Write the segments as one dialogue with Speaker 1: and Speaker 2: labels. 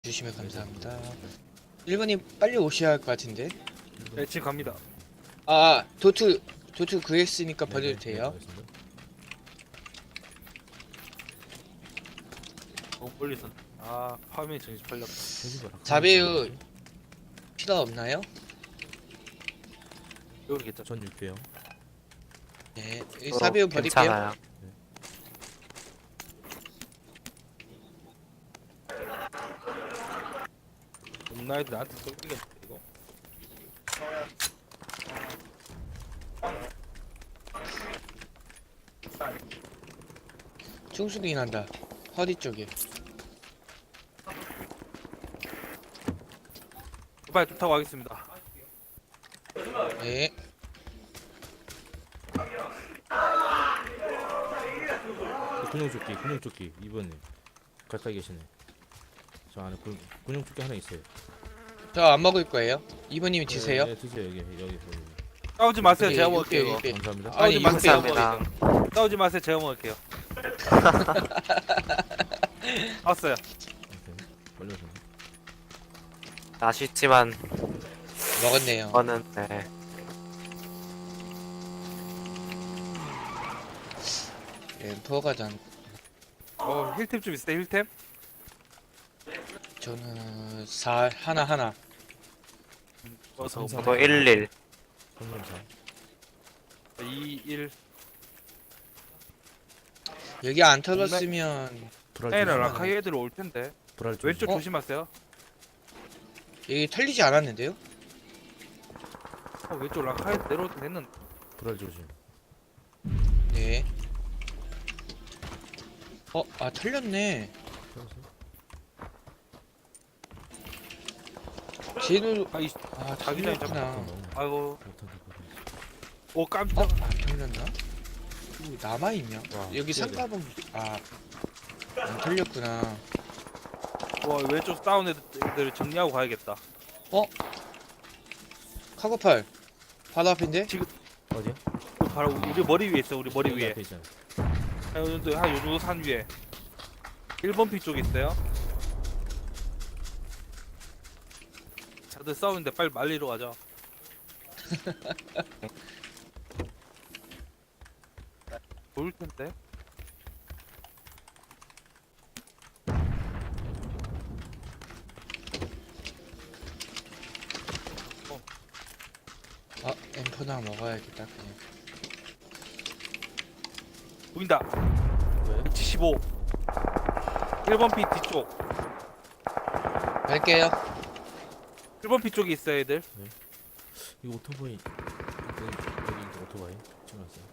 Speaker 1: 주시면 감사합니다. 1번님 빨리 오셔야 할 것 같은데.
Speaker 2: 네, 지금 갑니다.
Speaker 1: 아, 도트 구했으니까 버려도 돼요.
Speaker 2: 너무 멀리 있었네. 아, 파밍 정신 팔렸다.
Speaker 1: 자배우 필요 없나요?
Speaker 2: 여기 있겠죠.
Speaker 3: 전 6개요.
Speaker 1: 네, 사배우 버릴게요.
Speaker 4: 괜찮아요.
Speaker 2: 엄나이들 나한테 쏠리겠네 이거.
Speaker 1: 충수기 난다. 허리 쪽에.
Speaker 2: 빨리 타고 가겠습니다.
Speaker 1: 네.
Speaker 3: 군용조끼 2번님 가까이 계시네. 저 안에 군용조끼 하나 있어요.
Speaker 1: 저 안 먹을 거예요. 2번님이 드세요.
Speaker 3: 네, 드세요. 여기.
Speaker 2: 싸우지 마세요.
Speaker 1: 여기,
Speaker 2: 제가
Speaker 1: 여기,
Speaker 2: 먹을게요. 이거.
Speaker 1: 여기.
Speaker 3: 감사합니다.
Speaker 1: 아니,
Speaker 2: 싸우지 마세요.
Speaker 4: 감사합니다.
Speaker 2: 싸우지 마세요. 제가 먹을게요. 왔어요.
Speaker 3: 오케이. 빨리 오세요.
Speaker 4: 아쉽지만
Speaker 1: 먹었네요.
Speaker 4: 저는 네.
Speaker 1: 엠퍼가 전
Speaker 2: 힐템 좀 있어요. 힐템?
Speaker 1: 저는 4 하나.
Speaker 2: 어서
Speaker 3: 감사합니다.
Speaker 4: 저도 11.
Speaker 3: 감사합니다.
Speaker 2: 2, 1.
Speaker 1: 여기 안 털었으면
Speaker 3: 불알
Speaker 2: 에라
Speaker 3: 조심.
Speaker 2: 라카이 애들 올 텐데.
Speaker 3: 불알 조심.
Speaker 2: 왼쪽
Speaker 1: 어?
Speaker 2: 조심하세요.
Speaker 1: 여기 털리지 않았는데요?
Speaker 2: 왼쪽 라카이 내려올 때 됐는데.
Speaker 3: 불알 조심.
Speaker 1: 네. 털렸네. 쟤도
Speaker 2: 아이, 자기장이
Speaker 1: 털렸구나.
Speaker 2: 아이고. 오
Speaker 1: 안
Speaker 2: 깜짝.
Speaker 1: 털렸나? 남아있냐?
Speaker 3: 와,
Speaker 1: 여기
Speaker 3: 신기하다.
Speaker 1: 상가본 안 털렸구나.
Speaker 2: 와 왼쪽 다운 애들 정리하고 가야겠다.
Speaker 1: 카고팔 바로 앞인데?
Speaker 3: 어디야?
Speaker 2: 바로 우리 머리 위에 있어. 우리 머리
Speaker 3: 여기
Speaker 2: 위에.
Speaker 3: 앞에 있잖아.
Speaker 2: 한 요정도 산 위에 1번 피 쪽에 있어요. 다들 싸우는데 빨리 말리러 가자. 보일 텐데.
Speaker 1: 엠퍼나 먹어야겠다 그냥.
Speaker 2: 보인다.
Speaker 3: 왜?
Speaker 2: 175. 1번 피 뒤쪽.
Speaker 1: 갈게요.
Speaker 2: 1번 피 쪽에 있어요, 애들.
Speaker 3: 이거 오토바이. 여기 이제 오토바이. 지금 왔어요.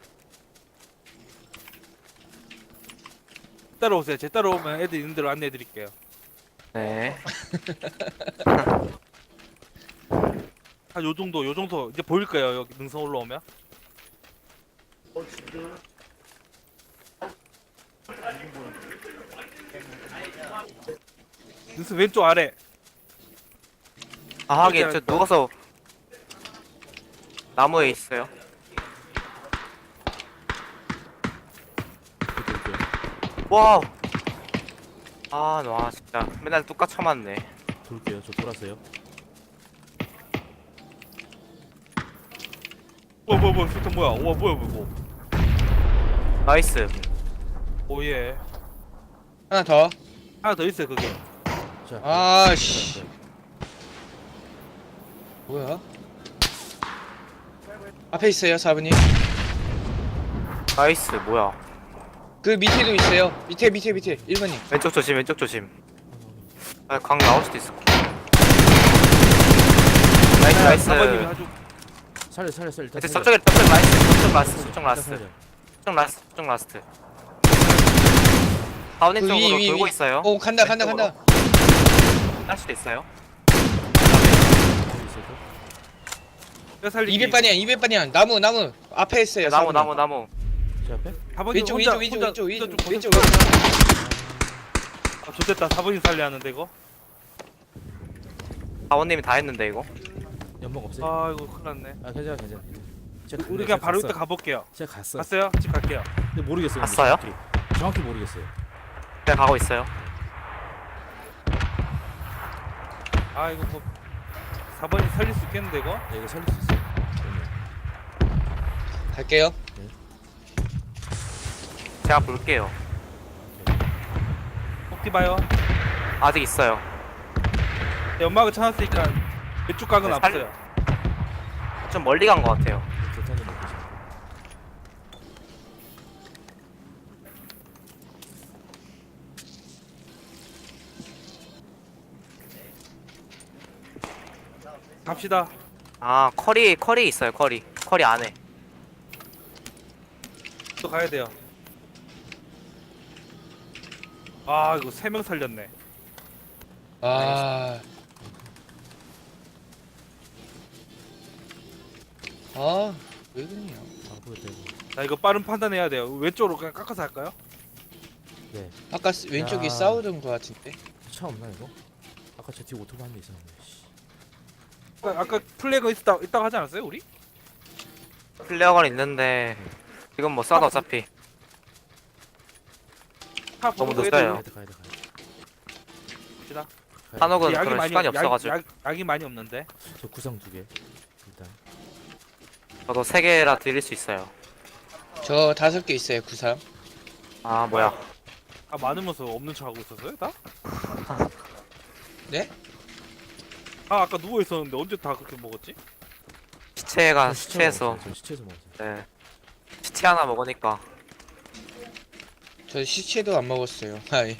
Speaker 2: 따라오세요. 제 따라오면 애들 있는 대로 안내해 드릴게요.
Speaker 4: 네.
Speaker 2: 한 요 정도 이제 보일 거예요. 여기 능선 올라오면. 능선 왼쪽 아래.
Speaker 4: 아 하긴 저 누워서 나무에 있어요. 와우. 와 진짜 맨날 똑같이 맞네.
Speaker 3: 돌게요. 저 돌았어요.
Speaker 2: 뭐야 실탄 뭐야? 와 뭐야.
Speaker 4: 나이스.
Speaker 2: 오예.
Speaker 1: 하나 더.
Speaker 2: 하나 더 있어요 그게.
Speaker 3: 자.
Speaker 1: 아씨. 뭐야? 앞에 있어요 4번님.
Speaker 4: 나이스. 뭐야?
Speaker 1: 그 밑에도 있어요. 밑에 1번님.
Speaker 4: 왼쪽 조심. 아, 광 나올 수도 있어. 나이스.
Speaker 2: 4번님이 아주
Speaker 3: 살려 일단.
Speaker 4: 이제
Speaker 3: 살려.
Speaker 4: 저쪽 라스트.
Speaker 3: 일단 라스트.
Speaker 4: 가운데
Speaker 1: 그
Speaker 4: 쪽으로
Speaker 1: 위,
Speaker 4: 돌고
Speaker 1: 위.
Speaker 4: 있어요.
Speaker 1: 간다.
Speaker 4: 왼쪽으로. 할 수도 있어요.
Speaker 3: 여기 있어요.
Speaker 2: 뼈 살리기.
Speaker 1: 200반이야. 나무. 앞에 있어요.
Speaker 4: 나무
Speaker 1: 4번님.
Speaker 3: 제 앞에?
Speaker 2: 4번님
Speaker 1: 왼쪽.
Speaker 2: 왼쪽. 아 좋됐다. 4번님 살려야 하는데 이거.
Speaker 4: 사원님이 다 했는데 이거.
Speaker 3: 연막 없어요?
Speaker 2: 아 이거 큰일 났네.
Speaker 3: 괜찮아.
Speaker 2: 우리 그냥 바로 이따 가볼게요.
Speaker 3: 제가 갔어.
Speaker 2: 갔어요? 집 갈게요.
Speaker 3: 근데 모르겠어요.
Speaker 4: 갔어요?
Speaker 3: 정확히 모르겠어요.
Speaker 4: 제가 가고 있어요.
Speaker 2: 아 이거 뭐 4번이 살릴 수 있겠는데 이거?
Speaker 3: 네, 이거 살릴 수 있어요. 그러면.
Speaker 1: 갈게요.
Speaker 4: 제가 볼게요.
Speaker 2: 꼭지 봐요.
Speaker 4: 아직 있어요.
Speaker 2: 네, 연막을 쳐놨으니까 왼쪽 각은
Speaker 4: 네,
Speaker 2: 없어요.
Speaker 4: 좀 멀리 간 것 같아요.
Speaker 3: 교탄이 먹고 싶어.
Speaker 2: 갑시다.
Speaker 4: 아, 커리 있어요, 커리. 커리 안에.
Speaker 2: 또 가야 돼요. 아 이거 3명 살렸네.
Speaker 1: 아. 아, 왜 그러냐.
Speaker 3: 아, 보였다 이거.
Speaker 2: 자 이거 빠른 판단해야 돼요. 왼쪽으로 그냥 깎아서 할까요?
Speaker 3: 네.
Speaker 1: 아까 왼쪽에
Speaker 3: 야.
Speaker 1: 싸우던 거 같은데.
Speaker 3: 차 없나 이거? 아까 저 뒤에 오토바이 한 대 있었는데. 씨.
Speaker 2: 아까 플래그 있다고 하지 않았어요 우리?
Speaker 4: 플레어건 있는데 지금 뭐 쏴도 어차피
Speaker 2: 차
Speaker 4: 너무
Speaker 2: 보고
Speaker 4: 늦어요.
Speaker 3: 가야 돼, 가야 돼, 가야 돼.
Speaker 2: 갑시다.
Speaker 3: 가야 돼.
Speaker 4: 한옥은 그런 시간이 없어가지고
Speaker 2: 약이 많이 없는데.
Speaker 3: 저 구상 2개. 일단.
Speaker 4: 저도 3개라 드릴 수 있어요.
Speaker 1: 저 5개 있어요, 구상.
Speaker 4: 아, 뭐야.
Speaker 2: 아 많으면서 없는 척 하고 있었어요 다?
Speaker 1: 네?
Speaker 2: 아 아까 누워 있었는데 언제 다 그렇게 먹었지?
Speaker 4: 시체가
Speaker 3: 저
Speaker 4: 시체에서
Speaker 3: 먹었어요. 저 시체에서 먹었어요.
Speaker 4: 네. 시체 하나 먹으니까
Speaker 1: 저 시체도 안 먹었어요. 아이.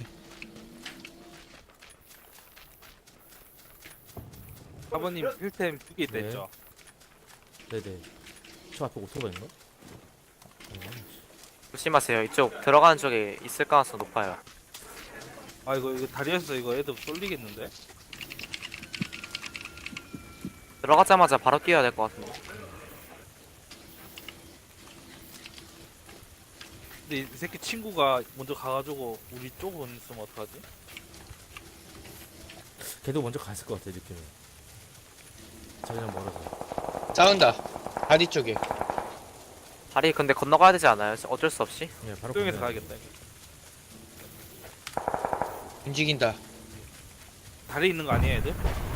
Speaker 2: 아버님 힐템 2개 있다
Speaker 3: 네.
Speaker 2: 했죠?
Speaker 3: 네네. 저 앞에 오토바이인가?
Speaker 4: 조심하세요. 이쪽 들어가는 쪽에 있을 가능성 높아요.
Speaker 2: 아 이거 다리에서 이거 애들 쏠리겠는데?
Speaker 4: 들어가자마자 바로 뛰어야 될 것 같은데.
Speaker 2: 근데 이 새끼 친구가 먼저 가가지고 우리 쪽은 있으면 어떡하지?
Speaker 3: 걔도 먼저 갔을 것 같아 느낌이. 자기랑 멀어서.
Speaker 1: 싸운다. 바디 쪽에.
Speaker 4: 다리 근데 건너가야 되지 않아요? 어쩔 수 없이?
Speaker 3: 네, 바로
Speaker 2: 수영해서
Speaker 3: 건너야 돼.
Speaker 2: 가야겠다 이거.
Speaker 1: 움직인다.
Speaker 2: 다리 있는 거 아니에요 애들?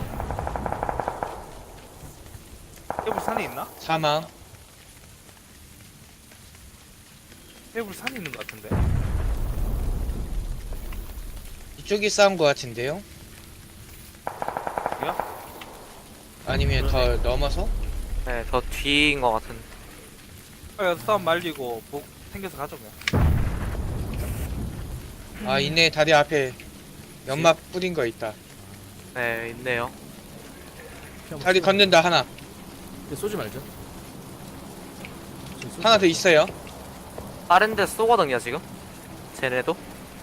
Speaker 2: 해불 산에 있나?
Speaker 1: 사망.
Speaker 2: 해불 산에 있는 거 같은데?
Speaker 1: 이쪽에 싸운 거 같은데요?
Speaker 2: 여기요?
Speaker 1: 아니면 더 넘어서?
Speaker 4: 네, 더 뒤인 것 같은.
Speaker 2: 아 싸움 말리고 복 생겨서 가죠 그냥.
Speaker 1: 아, 있네. 다리 앞에 연막 뿌린 거 있다.
Speaker 4: 네, 있네요.
Speaker 3: 피 한번
Speaker 1: 다리
Speaker 3: 쏘자.
Speaker 1: 건넨다, 하나.
Speaker 3: 근데 쏘지 말자. 저기 쏘지
Speaker 1: 하나 더
Speaker 3: 말자.
Speaker 1: 있어요.
Speaker 4: 다른 데 쏘거든요, 지금? 쟤네도?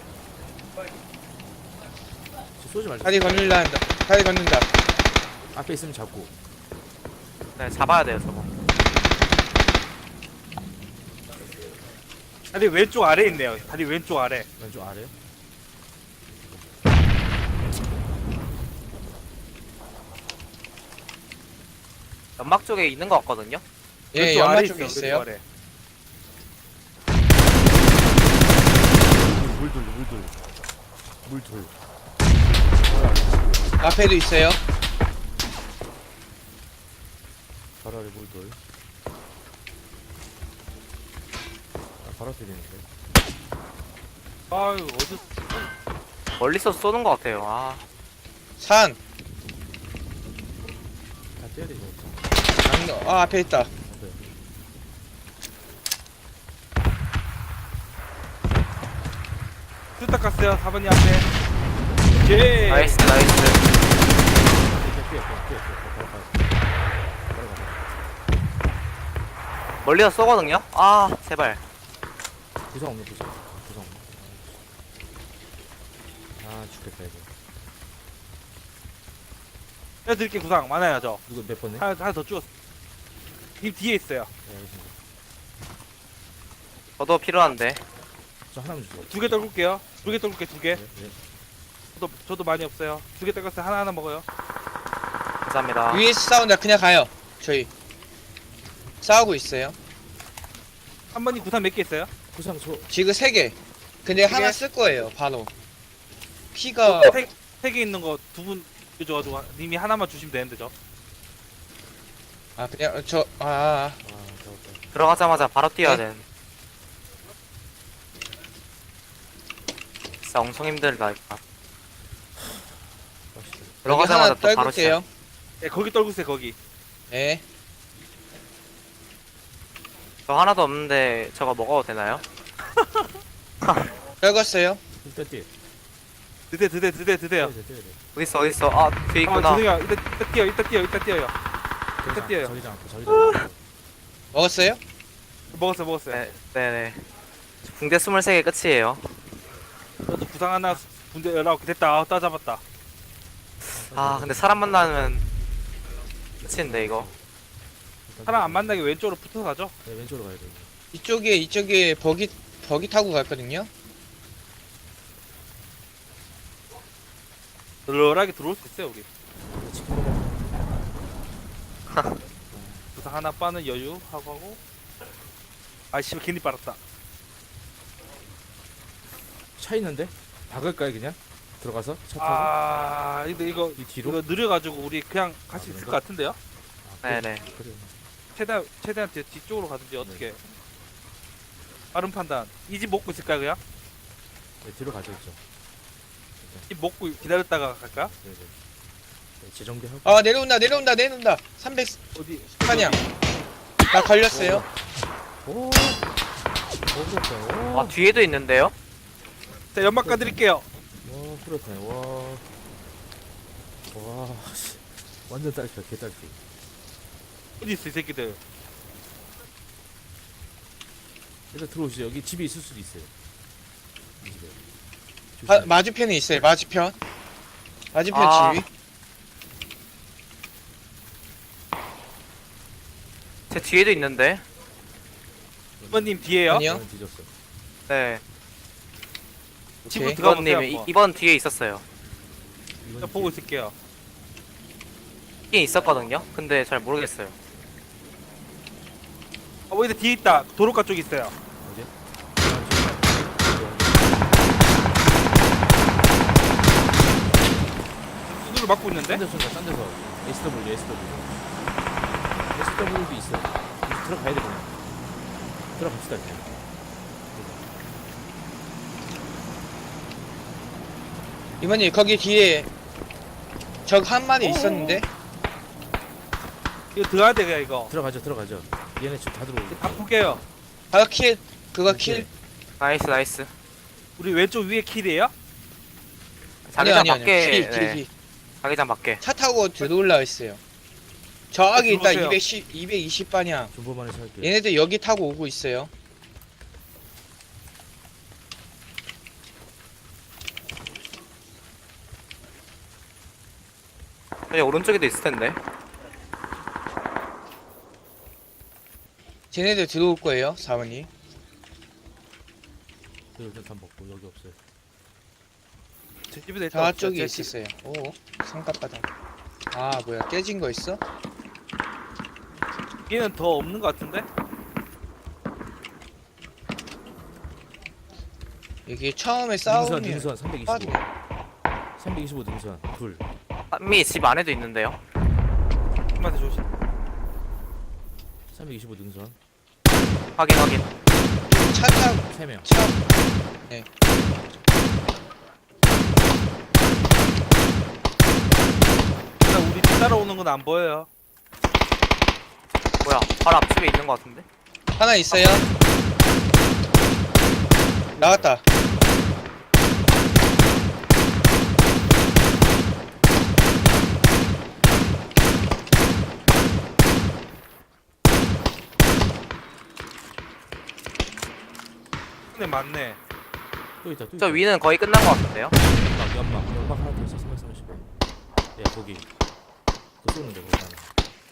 Speaker 3: 저 쏘지 말자.
Speaker 1: 다리 건넨다. 다리 건넨다.
Speaker 3: 앞에 있으면 잡고.
Speaker 4: 네, 잡아야 돼요, 저거.
Speaker 2: 다리 왼쪽 아래 있네요. 다리 왼쪽 아래.
Speaker 3: 왼쪽 아래.
Speaker 4: 연막 쪽에 있는 것 같거든요?
Speaker 1: 예,
Speaker 2: 왼쪽
Speaker 1: 연막
Speaker 2: 아래
Speaker 1: 쪽에
Speaker 2: 왼쪽
Speaker 1: 있어요.
Speaker 2: 아래.
Speaker 3: 물돌, 물돌. 물돌.
Speaker 1: 앞에도 있어요.
Speaker 3: 바로 아래 물돌. 아, 바로 앞에 있는데.
Speaker 2: 아유 어디
Speaker 4: 멀리서 쏘는 것 같아요. 아,
Speaker 1: 산.
Speaker 3: 다 떼야 되지.
Speaker 1: 장로. 아, 앞에 있다.
Speaker 3: 네.
Speaker 2: 뚜딱 갔어요. 4번이 앞에. 오케이.
Speaker 4: 나이스, 나이스.
Speaker 3: 피해. 바로 가. 바로 가.
Speaker 4: 멀리서 쏘거든요? 아, 제발.
Speaker 3: 구상 없는 구상. 구상 없는. 아, 죽겠다 이거.
Speaker 2: 해드릴게 구상 많아요 저.
Speaker 3: 이거 몇 번네?
Speaker 2: 하나 더 죽었어. 님 뒤에 있어요.
Speaker 3: 네, 알겠습니다.
Speaker 4: 저도 필요한데.
Speaker 3: 저 하나만 주세요.
Speaker 2: 2개 떨굴게요. 2개 떨굴게 2개.
Speaker 3: 네, 네.
Speaker 2: 저도 많이 없어요. 2개 떨궜어요. 하나 먹어요.
Speaker 4: 감사합니다.
Speaker 1: 위에서 싸운다. 그냥 가요. 저희. 싸우고 있어요.
Speaker 2: 한 번이 구상 몇 개 있어요?
Speaker 3: 구상 저
Speaker 1: 지금 3개. 근데
Speaker 2: 세
Speaker 1: 하나
Speaker 2: 개?
Speaker 1: 쓸 거예요, 바로. 피가
Speaker 2: 세 개 있는 거 두 분 줘가지고 님이 하나만 주시면 되는데 저.
Speaker 1: 아 그냥
Speaker 3: 아 잡았다.
Speaker 4: 들어가자마자 바로 뛰어야
Speaker 1: 네.
Speaker 4: 되는. 진짜 엄청 힘들다 이거.
Speaker 3: 확실히.
Speaker 1: 여기
Speaker 4: 들어가자마자
Speaker 1: 하나
Speaker 4: 또 바로 시작.
Speaker 1: 떨굴게요.
Speaker 2: 예, 거기 떨구세요 거기.
Speaker 1: 네.
Speaker 4: 저 하나도 없는데 저거 먹어도 되나요?
Speaker 1: 떨궜어요.
Speaker 3: 일단 뛰어.
Speaker 2: 드대요.
Speaker 3: 뛰어야 돼.
Speaker 4: 어딨어? 아 뒤에 있구나.
Speaker 2: 드세요. 이따 뛰어요. 뛰어요.
Speaker 3: 저기장 앞에 저기장.
Speaker 1: 먹었어요?
Speaker 2: 먹었어요.
Speaker 4: 네네. 붕대 23개 끝이에요.
Speaker 2: 저도 부상 하나 군대 연락 됐다. 따잡았다.
Speaker 4: 아 근데 사람 만나면 끝인데 이거.
Speaker 2: 사람 안 만나게 왼쪽으로 붙어 가죠.
Speaker 3: 네, 왼쪽으로 가야 돼.
Speaker 1: 이쪽에 버기 타고 갔거든요.
Speaker 2: 널널하게 들어올 수 있어요 우리.
Speaker 3: 치킨 먹어.
Speaker 2: 부상 하나 빠는 여유 하고. 아씨 괜히 빨았다.
Speaker 3: 차 있는데? 박을까요 그냥? 들어가서 차 타고?
Speaker 2: 근데 이거
Speaker 3: 이 뒤로?
Speaker 2: 이거 느려가지고 우리 그냥 갈 수 있을
Speaker 3: 그런가?
Speaker 2: 것 같은데요?
Speaker 3: 아, 그래.
Speaker 4: 네네.
Speaker 3: 그래.
Speaker 2: 최대한 뒤쪽으로 가든지 어떻게? 빠른 판단. 이 집 먹고 있을까요 그냥?
Speaker 3: 네, 뒤로 가져 있죠.
Speaker 2: 집 먹고 기다렸다가 갈까?
Speaker 3: 네, 네. 네, 재정비하고.
Speaker 1: 아 내려온다. 300
Speaker 2: 어디?
Speaker 1: 판이야. 나 걸렸어요.
Speaker 3: 오. 그렇다. 오.
Speaker 4: 아 뒤에도 있는데요?
Speaker 2: 자 연막 까드릴게요.
Speaker 3: 와, 그렇다. 와. 와, 씨. 완전 딸피야, 개 딸피.
Speaker 2: 어디 있어 이 새끼들?
Speaker 3: 일단 들어오시죠. 여기 집에 있을 수도 있어요. 이 집에.
Speaker 1: 마주편에 있어요. 마주편
Speaker 4: 아.
Speaker 1: 집이.
Speaker 4: 제 뒤에도 있는데.
Speaker 2: 이번님 뒤에요?
Speaker 1: 아니요.
Speaker 3: 저는 뒤졌어.
Speaker 4: 네.
Speaker 2: 집으로
Speaker 1: 오케이.
Speaker 2: 들어가보세요.
Speaker 4: 이번님
Speaker 2: 한번.
Speaker 4: 이번 뒤에 있었어요.
Speaker 2: 자, 보고 있을게요.
Speaker 4: 뒤에 있었거든요. 근데 잘 모르겠어요.
Speaker 2: 여기 뒤에 있다. 도로가 쪽에 있어요.
Speaker 3: 어디?
Speaker 2: 두드를 막고 있는데?
Speaker 3: 딴 데서 쏜다, 딴 데서. SW도 있어. 이제 들어가야 돼, 그냥. 들어갑시다, 이제.
Speaker 1: 이모님 거기 뒤에 적 한 마리 있었는데.
Speaker 2: 이거 들어가야 돼 그냥 이거.
Speaker 3: 들어가죠. 얘네 지금 다 들어오고.
Speaker 2: 다 풀게요.
Speaker 1: 바로 킬. 그거 킬.
Speaker 4: 나이스.
Speaker 2: 우리 왼쪽 위에 킬이에요?
Speaker 4: 자기장 밖에.
Speaker 1: 킬.
Speaker 4: 네. 자기장 밖에.
Speaker 1: 차 타고 들어올라 있어요. 저기 있다.
Speaker 2: 들어오세요.
Speaker 1: 220 방향.
Speaker 3: 존버만에 살게.
Speaker 1: 얘네들 여기 타고 오고 있어요.
Speaker 4: 저기 오른쪽에도 있을 텐데.
Speaker 1: 쟤네들 들어올 거예요. 사원이.
Speaker 3: 일단 다 먹고 여기 없어요.
Speaker 2: 제 집에도 있다.
Speaker 1: 저쪽에 있었어요. 오, 삼각바닥. 아, 뭐야, 깨진 거 있어?
Speaker 2: 얘는 더 없는 것 같은데?
Speaker 1: 여기 처음에
Speaker 3: 능선
Speaker 1: 싸우면
Speaker 3: 325.
Speaker 1: 빠져.
Speaker 3: 325 능선 둘.
Speaker 4: 한미 집 안에도 있는데요.
Speaker 2: 한마디 조심.
Speaker 3: 325 능선
Speaker 4: 확인.
Speaker 1: 차 타고
Speaker 3: 3명.
Speaker 1: 차.
Speaker 2: 일단 우리 뒤 따라오는 건 안 보여요.
Speaker 4: 뭐야? 바로 앞집에 있는 것 같은데?
Speaker 1: 하나 있어요. 나왔다.
Speaker 2: 네 맞네.
Speaker 3: 또 있다.
Speaker 4: 저 위는 거의 끝난 것 같은데요?
Speaker 3: 연막 하나 더 있어. 335. 야 거기. 그거 쏘는데 거기 하나.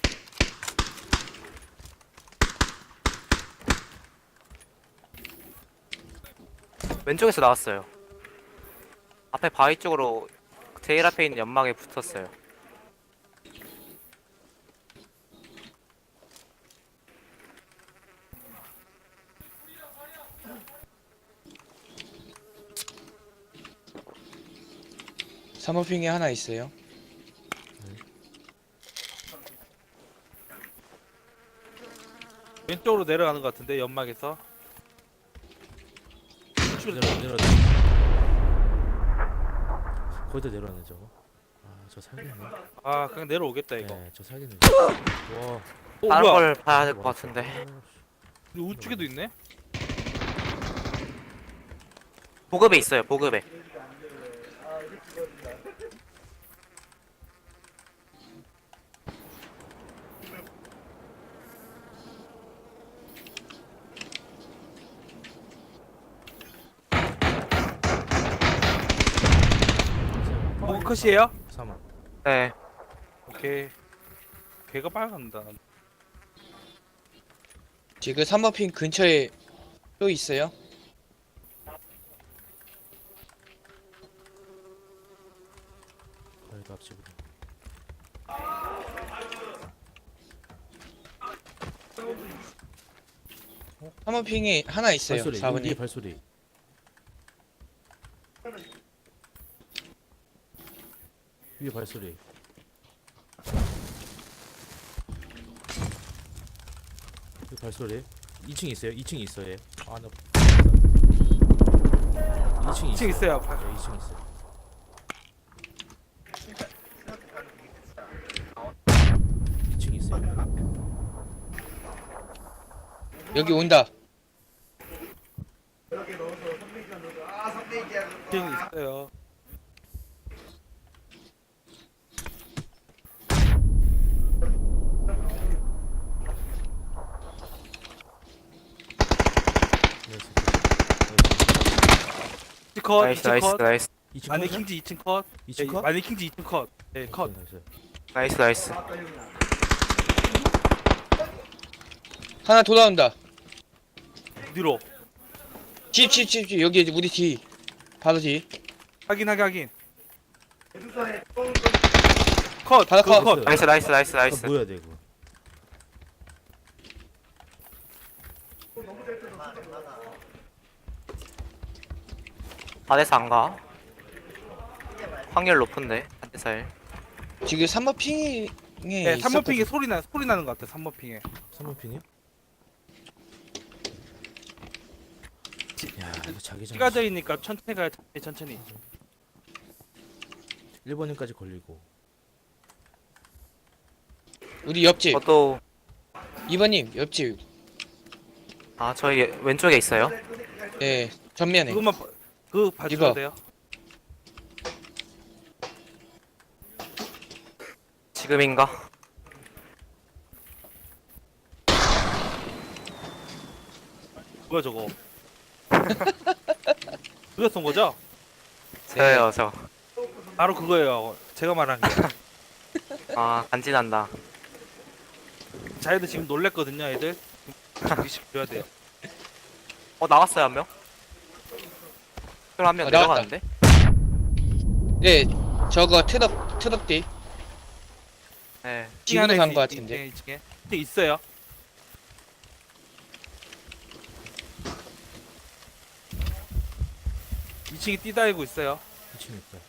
Speaker 4: 왼쪽에서 나왔어요. 앞에 바위 쪽으로 제일 앞에 있는 연막에 붙었어요.
Speaker 1: 사모핑에 하나 있어요.
Speaker 2: 왼쪽으로 내려가는 것 같은데 연막에서.
Speaker 3: 내려. 거기다 내려왔네 저거. 아, 저 살겠네.
Speaker 2: 아 그냥 내려오겠다 이거.
Speaker 3: 네, 저 살겠네. 와.
Speaker 4: 다른
Speaker 2: 뭐야?
Speaker 4: 걸 봐야 될 것 같은데.
Speaker 2: 우측에도 있네.
Speaker 4: 보급에 있어요. 보급에.
Speaker 2: 보급 컷이에요?
Speaker 3: 사망.
Speaker 4: 네.
Speaker 2: 오케이. 배가 빨간다.
Speaker 1: 지금 3번 핑 근처에 또 있어요.
Speaker 3: 거기도 앞집으로.
Speaker 1: 3번 핑이 하나 있어요.
Speaker 3: 발소리.
Speaker 1: 4번이.
Speaker 3: 여기 발소리. 위에 발소리. 여기 발소리. 2층 있어요. 2층 있어요. 아, 나 2층
Speaker 2: 2층 있어요.
Speaker 3: 네, 2층 있어요. 2층 있어요.
Speaker 1: 여기 온다.
Speaker 2: 2층 있어요.
Speaker 3: 네,
Speaker 2: 컷.
Speaker 4: 나이스
Speaker 2: 2층
Speaker 4: 나이스
Speaker 2: 컷.
Speaker 4: 나이스
Speaker 3: 2층
Speaker 2: 마네킹즈 2층 컷.
Speaker 3: 2층 컷?
Speaker 2: 마네킹즈 2층 컷. 네 컷.
Speaker 3: 나이스.
Speaker 4: 나이스.
Speaker 1: 하나 돌아온다.
Speaker 2: 뒤로.
Speaker 1: 집. 여기 우리 뒤. 바로 뒤.
Speaker 2: 확인. 컷.
Speaker 1: 바로
Speaker 2: 그거
Speaker 1: 컷.
Speaker 2: 컷.
Speaker 4: 나이스.
Speaker 3: 뭐야 돼 이거?
Speaker 4: 바데스 안 가? 확률 높은데. 바데스.
Speaker 1: 지금 3번 핑에
Speaker 2: 네, 3번
Speaker 1: 있었거든.
Speaker 2: 핑에 소리 나는 것 같아. 3번 핑에.
Speaker 3: 3번 핀이요? 야, 이거 자기장.
Speaker 2: 찌가져 있으니까 천천히 가야 돼. 천천히.
Speaker 3: 1번님까지 걸리고.
Speaker 1: 우리 옆집.
Speaker 4: 저도
Speaker 1: 2번님 옆집.
Speaker 4: 저희 왼쪽에 있어요.
Speaker 1: 네. 전면에.
Speaker 2: 그거 봐줘야
Speaker 1: 이거.
Speaker 2: 돼요.
Speaker 4: 지금인가?
Speaker 2: 뭐야 저거? 누가 쏜 거죠?
Speaker 4: 저요 저.
Speaker 2: 바로 그거예요. 제가 말한 게.
Speaker 4: 간지난다.
Speaker 2: 자애들 지금 놀랬거든요, 애들. 정기씩 줘야 돼요.
Speaker 4: 나왔어요 한 명. 그럼 한 명
Speaker 1: 나왔다.
Speaker 4: 내려가는데?
Speaker 1: 네. 저거 트럭 뒤.
Speaker 4: 네.
Speaker 1: 지금도 간거 같은데.
Speaker 2: 2층에 있어요. 이 층에 뛰다니고 있어요.
Speaker 3: 2층 있다.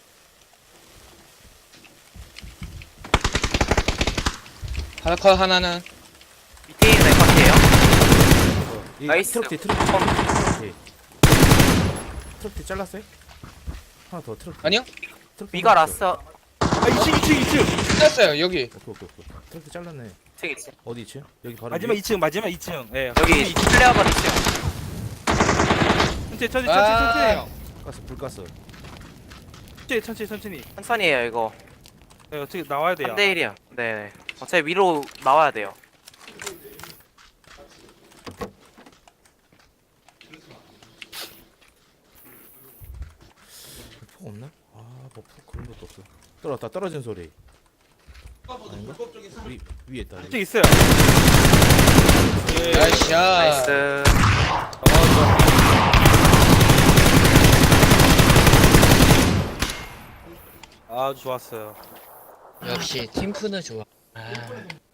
Speaker 1: 바로 컷 하나는.
Speaker 4: 밑에 있는 것 같아요.
Speaker 3: 이
Speaker 4: 나이스.
Speaker 3: 트럭 뒤. 트럭 뒤 잘랐어요? 하나 더 트럭 뒤.
Speaker 1: 아니요?
Speaker 3: 트럭 뒤
Speaker 4: 위가
Speaker 3: 하나 있어.
Speaker 4: 라스.
Speaker 2: 2층.
Speaker 1: 끝났어요. 여기.
Speaker 3: 오케이. 트럭 뒤 잘랐네.
Speaker 4: 2층 있어.
Speaker 3: 어디 2층? 여기 바로
Speaker 2: 마지막
Speaker 3: 위에?
Speaker 2: 2층, 마지막 2층. 예.
Speaker 4: 여기 플레어건 2층.
Speaker 2: 천천히
Speaker 1: 아.
Speaker 2: 해요.
Speaker 3: 가스 불 가스.
Speaker 2: 천천히.
Speaker 4: 천천히 해요 이거.
Speaker 2: 네, 어떻게 나와야 돼요.
Speaker 4: 3대 1이야. 네. 어차피 위로 나와야 돼요.
Speaker 3: 폭 없나? 뭐 폭 그런 것도 없어. 떨어졌다. 떨어진 소리. 아닌가? 위에 있다.
Speaker 2: 이쪽 있어요. 예.
Speaker 1: 나이스 샷.
Speaker 4: 나이스.
Speaker 2: 아주 좋았어요.
Speaker 1: 역시 팀프는 좋아. 아.